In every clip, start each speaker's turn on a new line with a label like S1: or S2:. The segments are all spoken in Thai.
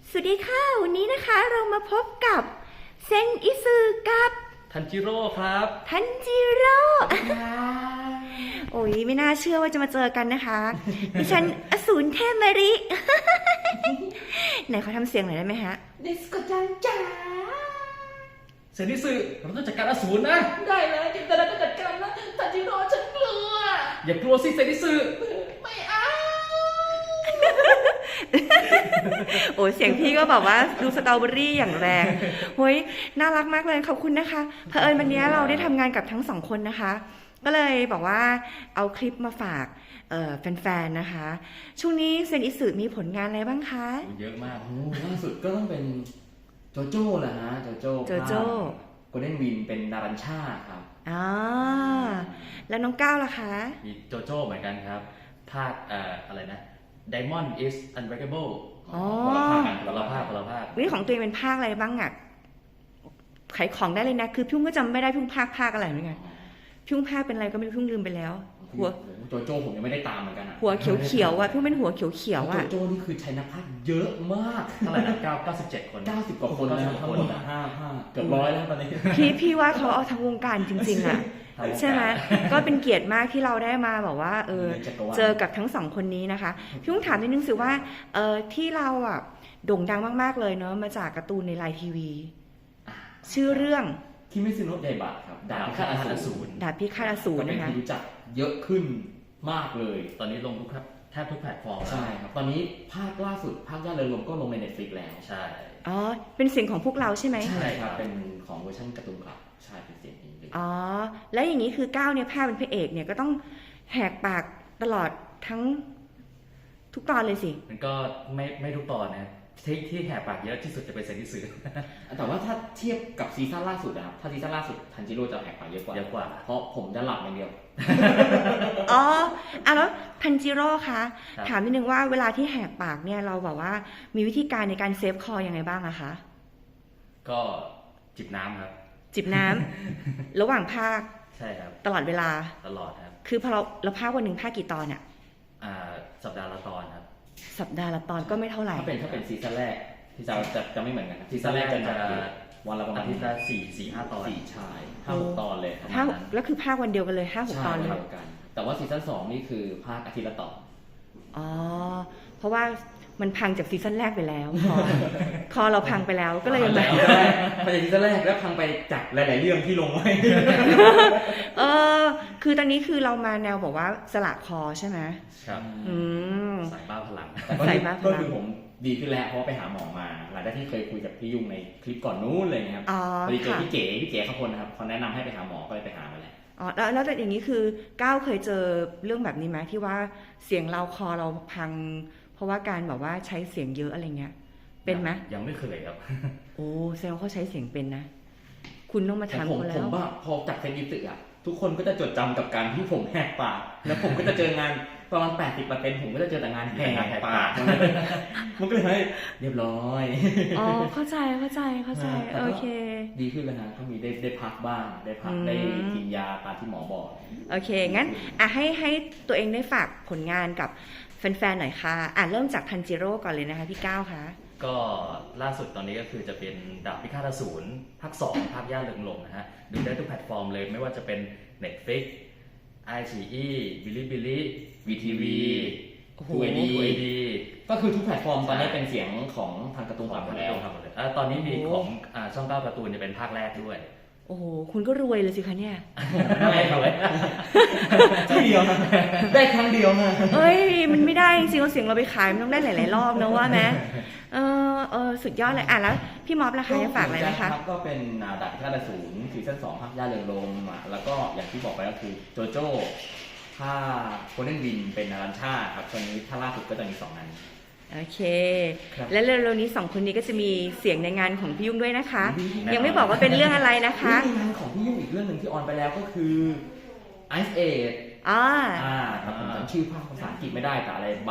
S1: สวัสดีค่ะวันนี้นะคะเรามาพบกับเซนอิซึกับ
S2: ทันจิโร่ครับ
S1: ทันจิโร่โอ้ยไม่น่าเชื่อว่าจะมาเจอกันนะคะดิฉันอสูรเทพมาริ ไหนเขาทำเสียงหน่อยได้ไหมฮะ
S3: ดิสโกจังจ๋า
S2: เซนิสึเราต้องจัดการอสูรนะ
S3: ได้เลยแต่เราต้องจัดการนะทันจิโร่ฉันกลัว
S2: อย่ากลัวสิเซนิสึ
S3: ไม่เอา
S1: โอ้เสียงพี่ก็แบบว่าดูสตรอเบอรี่อย่างแรงเฮ้ยน่ารักมากเลยขอบคุณนะคะเผอิญวันนี้เราได้ทำงานกับทั้งสองคนนะคะก็เลยบอกว่าเอาคลิปมาฝากแฟนๆนะคะช่วงนี้เซนอิสึมีผลงานอะไรบ้างคะ
S2: เยอะมาก
S4: ล่าสุดก็ต้องเป็นโจโจ้แหละฮะโจโจ้โกลเด้นวินเป็นนารัญชาครับ
S1: อ๋อแล้วน้องก้าวล่ะคะ
S2: มีโจโจ้เหมือนกันครับภาคอะไรนะ Diamond is Unbreakable
S4: คนละภาคกัน
S2: คนละภาค
S1: นี่ของตัวเองเป็นภาคอะไรบ้างอ่ะขายของได้เลยนะคือพี่ก็จำไม่ได้พี่ภาคอะไรเหมือนกันพี่ภาคเป็นอะไรก็ไม่รู้พี่ลืมไปแล้ว
S4: หัวโจโจ้ผมยังไม่ได้ตามเหมือนกัน
S1: หัวเขียวๆอ่ะพี่เป็นหัวเขียวๆอ่ะ
S4: โจโจ้นี่คือใช้นักพากย์เยอะมาก
S2: เท่าไหร่นะ97 คน
S4: 90 กว่าคนแล้วทั้งหมด5เกือบ100แล้วตอนนี้
S1: พี่ว่าเขาเอาทั้งวงการจริงๆอ่ะใช่ไหมก็เป็นเกียรติมากที่เราได้มาบอกว่าเจอกับทั้งสองคนนี้นะคะพี่ถามนิดนึงสิว่าที่เราอ่ะโด่งดังมากๆเลยเนาะมาจากการ์ตูนในไลน์ทีวีชื่อเรื่อง
S4: ที่ไม่ซื้อโน้ตไดบะครับ
S2: ดาบพิฆาตอสูร
S4: นะคะรู้จักเยอะขึ้นมากเลย
S2: ตอนนี้ลงแทบทุกแพลตฟอร์ม
S4: ใช่ครับตอนนี้ภาคล่าสุดภาคย่าเริงรมย์ก็ลงใน Netflix แล้ว
S2: ใช่
S1: อ๋อเป็นเสียงของพวกเราใช่ไหม
S4: ใช่ครับเป็นของเวอร์ชันการ์ตูนครับใช่เป็นเสียงนี้เลย
S1: อ๋อแล้วอย่างนี้คือก้าวเนี่ยภาคเป็นพระเอกเนี่ยก็ต้องแหกปากตลอดทั้งทุกตอนเลยสิ
S2: มันก็ไม่ทุกตอนนะที่แหกปากเยอะที่สุดจะเป็นเซนิสึ
S4: แต่ว่าถ้าเทียบกับซีซั่นล่าสุดนะครับถ้าซีซั่นล่าสุดทันจิโร่จะแหกปากเยอะกว่าเพราะผมจะหลับอย่างเดียว
S1: อ๋อแล้วทันจิโร่คะถามนิดนึงว่าเวลาที่แหกปากเนี่ยเราแบบว่ามีวิธีการในการเซฟคอยังไงบ้างอะคะ
S2: ก็จิบน้ำครับ
S1: จิบน้ำ ระหว่างภาค
S2: ใช่ครับ
S1: ตลอดเวลา
S2: ตลอดครับ
S1: คือพอเราภาควันหนึ่งภาคกี่ตอนอะ
S2: สัปดาห์ละตอนครับ
S1: สัปดาห์ละตอนก็ไม่เท่าไหร่
S4: ถ้าเป็นซีซั่นแรกที่จะไม่เหมือนกันซีซั่นแรกจะวันละประมาณ
S2: อาทิตย์ละ4-5 ตอน
S4: 4 ชาย 5-6 ตอนเลย
S1: แล้วคือภาควันเดียวกันเลย 5-6 ตอนเลย
S4: แต่ว่าซีซั่น2นี่คือภาคอาทิตย์ละตอน
S1: อ๋อเพราะว่ามันพังจากซีซั่นแรกไปแล้วคอเราพังไปแล้วก็เลย
S4: มาจากซีซั่นแรกแล้วพังไปจากหลายๆเรื่องที่ลงไว้
S1: คือตอนนี้คือเรามาแนวบอกว่าสละคอใช่ไหม
S2: ครับสายบ้าพลัง
S4: ก็คือผมดีขึ้นแล้วเพราะไปหาหมอมาหลังจากที่เคยคุยกับพี่ยุ่งในคลิปก่อนนู้นเลยนะครับพอดีเจอพี่เก๋เขาคนนะครับเขาแนะนำให้ไปหาหมอก็เลยไปหามาแล้ว
S1: อ๋อแล้วแต่อย่างนี้คือก้าวเคยเจอเรื่องแบบนี้ไหมที่ว่าเสียงเราคอเราพังเพราะว่าการแบบว่าใช้เสียงเยอะอะไรเงี้ยเป็นไหม
S2: ยังไม่เคยครับ
S1: โอ้แสดงว่าเขาใช้เสียงเป็นนะคุณต้องมาทำเขาแล้ว
S4: ผมว่าพอจากเซนอิสึอ่ะทุกคนก็จะจดจำกับการที่ผมแหกปากแล้วผมก็จะเจองานประมาณ 80% ผมก็จะเจอแต่งานแหกปากมันก็เลยเรียบร้อย
S1: อ๋อเข้าใจโอเค
S4: ดีขึ้นแล้วนะก็มีได้พักบ้างได้พักได้กินยาตามที่หมอบอก
S1: โอเคงั้นให้ตัวเองได้ฝากผลงานกับแฟนๆหน่อยค่ะเริ่มจากทันจิโร่ก่อนเลยนะคะพี่ก้าวคะ
S2: ก็ล่าสุดตอนนี้ก็คือจะเป็นดาบพิฆาตอสูรภาค 2ภาคย่าเริงรมย์นะฮะดูได้ทุกแพลตฟอร์มเลยไม่ว่าจะเป็น Netflix iQIYI Bilibili VTV
S4: 2AD ก็คือทุกแพลตฟอร์มตอนนี้เป็นเสียงของทางการ์ตูนหมดแล้ว
S2: ตอนนี้มีของช่อง9การ์ตูนจะเป็นภาคแรกด้วย
S1: โอ้โหคุณก็รวยเลยสิคะเนี่ย
S4: ไม่ครับที่เดียวได้ครั้งเดียวนะ
S1: เอ้ยมันไม่ได้จริงๆเสียงเราไปขายมันต้องได้หลายๆรอบนะว่าไหมสุดยอดเลยแล้วพี่ม็อบล่ะคะจะฝากอะไรไหมคะ
S4: ก็เป็นดาบพิฆาตอสูรซีซั่น2ภาคย่าเริงรมย์แล้วก็อย่างที่บอกไปก็คือโจโจ้ภาคโกลเด้นวินเป็นนารัญชาครับตอนนี้ถ้าล่าสุดก็จะมี2 อัน
S1: โอเคและเร็วๆนี้2 คนนี้ก็จะมีเสียงในงานของพี่ยุ่งด้วยนะคะยังไม่บอกว่าเป็นเรื่องอะไรนะคะ
S4: มีงานของพี่ยุ่งอีกเรื่องหนึ่งที่ออนไปแล้วก็คือ Ice Age ครับผมจำชื่อภาคภาษาอังกฤษไม่ได้แต่อะไร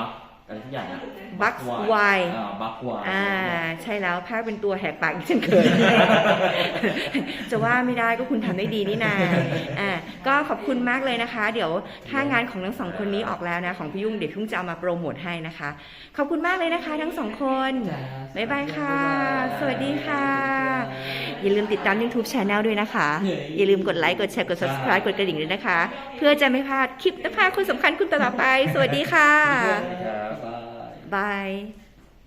S4: อะไรทุกอย่างอะ
S1: Bucks Y
S4: บักวาย
S1: ใช่แล้วภาคเป็นตัวแหกปากอีกเช่นเคย จะว่าไม่ได้ก็คุณทำได้ดีนี่นาก็ขอบคุณมากเลยนะคะ เดี๋ยวถ้างานของทั้งสองคนนี้ออกแล้วนะของพี่ยุ่งเดี๋ยวพี่ยุ่งจะเอามาโปรโมทให้นะคะ ขอบคุณมากเลยนะคะทั้งสองคนบ๊ายบายค่ะ สวัสดีค่ะ อย่าลืมติดตาม YouTube Channel ด้วยนะคะ อย่าลืมกดไลค์กดแชร์กด Subscribe กดกระดิ่งด้วยนะคะ เพื่อจะไม่พลาดคลิปนะคะคนสำคัญคุณต่อไปสวัสดีค่ะ
S2: ครับ
S1: บาย